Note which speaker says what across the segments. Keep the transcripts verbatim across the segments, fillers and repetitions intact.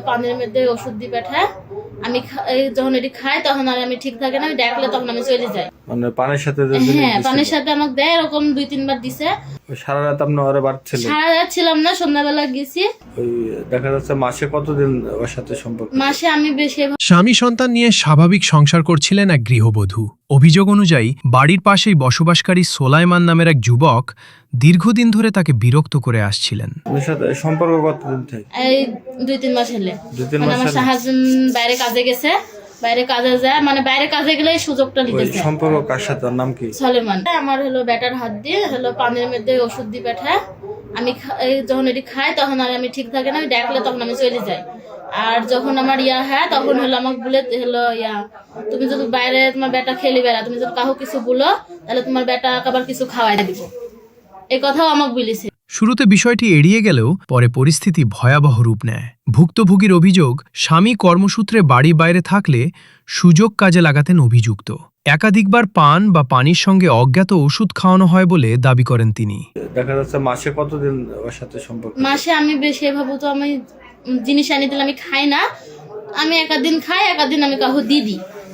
Speaker 1: পানির মধ্যে ওষুধ দিয়ে পাঠায়। আমি যখন এটি খাই তখন আর আমি ঠিক থাকে না, আমি ডাকলে তখন আমি চলে যাই।
Speaker 2: মানে পানির সাথে?
Speaker 1: হ্যাঁ, পানির সাথে আমাকে দেয়, এরকম দুই তিনবার দিছে।
Speaker 2: সারা রাত আপনি ওরে বাড়ি ছিলেন?
Speaker 1: সারা রাত ছিলাম না, সন্ধ্যাবেলা গেছি।
Speaker 2: ওই দেখা যাচ্ছে মাসে কতদিন ওর সাথে সম্পর্ক?
Speaker 1: মাসে আমি বেশি।
Speaker 3: স্বামী সন্তান নিয়ে স্বাভাবিক সংসার করছিলেন এক গৃহবধূ। অভিযোগ অনুযায়ী বাড়ির পাশেই বসবাসকারী সোলাইমান নামের এক যুবক দীর্ঘদিন ধরে তাকে বিরক্ত করে আসছিলেন।
Speaker 2: ওর সাথে সম্পর্ক কতদিন থেকে?
Speaker 1: এই দুই তিন মাস হলে।
Speaker 2: দুই তিন
Speaker 1: মানে
Speaker 2: মাস
Speaker 1: আমার হাজবেন্ড বাইরে কাজে গেছে, বাইরে কাজে যায়, মানে বাইরে কাজে গেলে এই সুযোগটা নিতেছে।
Speaker 2: সম্পর্ক কার সাথে? ওর নাম কি?
Speaker 1: সলেমান। আমার হলো ব্যাটার হাত দিয়ে হলো পানির মধ্যে ওষুধ দিয়ে পাঠায়। আমি যখন এটি খাই তখন আর আমি ঠিক থাকে না, আমি ডাকলে তখন আমি চলে যাই। আর যখন আমার ইয়া হয় তখন হলো আমাকে বলে হলো ইয়া তুমি যদি বাইরে তোমার বেটা খেলি বেড়া, তুমি যদি কাহো কিছু বলো তাহলে তোমার বেটা আবার কিছু খাওয়াই দিব, এই কথাও আমাকে বলেছে।
Speaker 3: শুরুতে বিষয়টি এড়িয়ে গেলেও পরে পরিস্থিতি ভয়াবহ রূপ নেয়। ভুক্তভোগীর অভিযোগ, স্বামী কর্মসূত্রে বাড়ি বাইরে থাকলে সুযোগ কাজে লাগাতেন অভিযুক্ত। একাধিকবার পান বা পানির সঙ্গে অজ্ঞাত ওষুধ খাওয়ানো হয় বলে দাবি করেন তিনি।
Speaker 2: দেখা যাচ্ছে মাসে কতদিন ওর সাথে সম্পর্ক?
Speaker 1: মাসে আমি বেশি ভাবো তো আমি জিনিস আনি দিলে আমি খাই না, আমি একাদিন খাই, একাদিন আমি কাহো দিদি।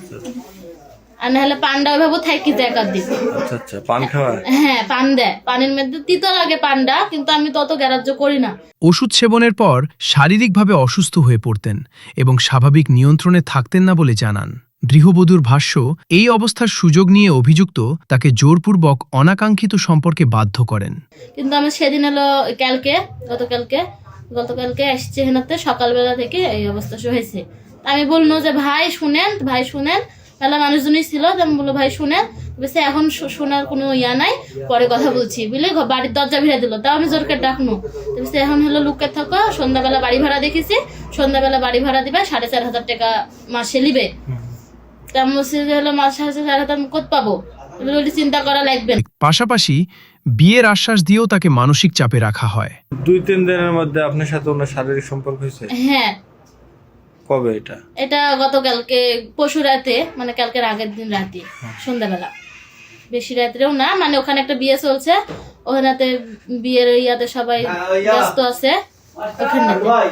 Speaker 1: আর না হলে পান্ডা ওইভাবে থাকি তো একাদিন।
Speaker 2: আচ্ছা আচ্ছা, পান খাওয়া?
Speaker 1: হ্যাঁ, পান দেয়, পানির মধ্যে তিতো লাগে পান্ডা, কিন্তু আমি তত গ্রাহ্য করি না।
Speaker 3: ওষুধ সেবনের পর শারীরিকভাবে অসুস্থ হয়ে পড়তেন এবং স্বাভাবিক নিয়ন্ত্রণে থাকতেন না বলে জানান গৃহবধূর ভাষ্য। এই অবস্থার সুযোগ নিয়ে অভিযুক্ত তাকে জোরপূর্বক অনাকাঙ্ক্ষিত সম্পর্কে বাধ্য করেন।
Speaker 1: কিন্তু আমি সেদিন হলো কালকে গতকালকে গতকালকে আসছে হেনাতে, সকালবেলা থেকে এই অবস্থা হয়েছে। আমি বললো যে ভাই শুনেন, ভাই শুনেন, মেলা মানুষজনই ছিল, আমি বললো ভাই শুনেন, বলছে এখন শোনার কোনো ইয়া নাই, পরে কথা বলছি বলে বাড়ির দরজা ভিড়ে দিল। তাও আমি জোরকে ডাকনো, বলছে এখন হলো লুকে থাকো, সন্ধ্যাবেলা বাড়ি ভাড়া দেখেছি, সন্ধ্যাবেলা বাড়ি ভাড়া দিবে, সাড়ে চার হাজার টাকা মাসে নিবে। তা আমি বলছি যে হলো মাসে সাড়ে চার হাজার আমি কোথায় পাবো, চিন্তা করা লাগবে।
Speaker 3: পাশাপাশি বিয়ের আশ্বাস দিয়েও তাকে মানসিক চাপে রাখা হয়।
Speaker 2: দুই তিন দিনের মধ্যে আপনার সাথে ওনার শারীরিক সম্পর্ক হয়েছে?
Speaker 1: হ্যাঁ।
Speaker 2: কবে এটা?
Speaker 1: এটা গতকালকে পরশু রাতে, মানে কালকের আগের দিন রাতে সন্ধ্যাবেলা, বেশি রাত্রেও না, মানে ওখানে একটা বিয়ে চলছে, ওখানে বিয়ের ইয়াতে সবাই ব্যস্ত আছে ওখানে।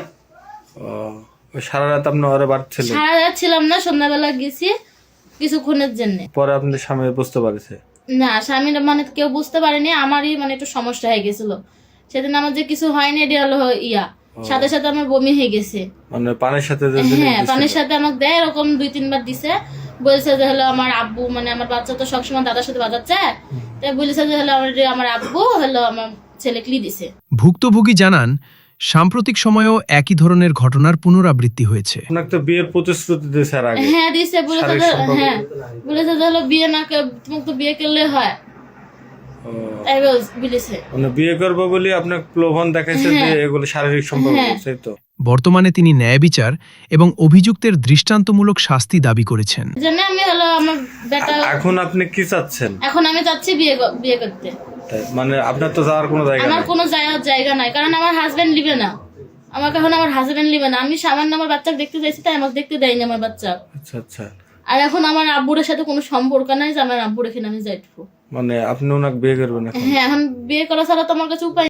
Speaker 2: সারা রাত আপনি ওরে বাড়ি ছিলেন?
Speaker 1: সারা রাত ছিলাম না, সন্ধ্যাবেলা গেছি কিছুক্ষণের জন্য।
Speaker 2: পরে আপনার স্বামী বুঝতে পারছে?
Speaker 1: না, স্বামীর মানে কেউ বুঝতে পারেনি, আমারই মানে একটু সমস্যা হয়ে গেছিল সেদিন। আমার যে কিছু হয়নি এটা হলো ইয়া, সাথে সাথে আমার বমি হয়ে গেছে।
Speaker 2: মানে পানির সাথে?
Speaker 1: হ্যাঁ, পানির সাথে আমাকে দেয়, এরকম দুই তিনবার দিছে। বলছে যে হলো আমার আব্বু, মানে আমার বাচ্চা তো সবসময় দাদার সাথে বাজাচ্ছে, তাই বলেছে যে হলো আমার আব্বু হলো আমার ছেলে ক্লি দিছে।
Speaker 3: ভুক্তভোগী জানান সাম্প্রতিক সময়েও একই ধরনের ঘটনার পুনরাবৃত্তি হয়েছে।
Speaker 2: আপনাকে তো বিয়ের প্রতিশ্রুতি দিয়েছে আর আগে?
Speaker 1: হ্যাঁ দিছে, বলেছে হ্যাঁ বলেছে যে হলো বিয়ে না, তোমাকে তো বিয়ে করলে হয়, তাই বলেছে।
Speaker 2: মানে বিয়ে করবো বলে আপনাকে প্রলোভন দেখাইছে যে এগুলো শারীরিক সম্পর্ক, সেই তো?
Speaker 3: বর্তমানে তিনি ন্যায় বিচার এবং অভিযুক্তের দৃষ্টান্তমূলক শাস্তি দাবি করেছেন।
Speaker 1: জানে আমি হলো আমার বেটা।
Speaker 2: এখন আপনি কি চাচ্ছেন?
Speaker 1: এখন আমি চাচ্ছি বিয়ে বিয়ে করতে।
Speaker 2: মানে আপনার তো যাওয়ার কোনো জায়গা?
Speaker 1: আমার কোনো যাওয়ার জায়গা নাই, কারণ আমার হাজবেন্ড লিবে না আমাকে, এখন আমার হাজবেন্ড লিবে না। আমি সামান্য আমার বাচ্চাকে দেখতে চাইছি, তাই আমাকে দেখতে দেয়নি আমার বাচ্চা।
Speaker 2: আচ্ছা আচ্ছা।
Speaker 1: আর এখন আমার আব্বুর সাথে কোনো সম্পর্ক নাই যে আমার আব্বুর এখানে আমি যাইবো।
Speaker 2: মানে আপনি ওনাকে বিয়ে করবেন?
Speaker 1: হ্যাঁ, এখন বিয়ে করা ছাড়া তো আমার কাছে উপায়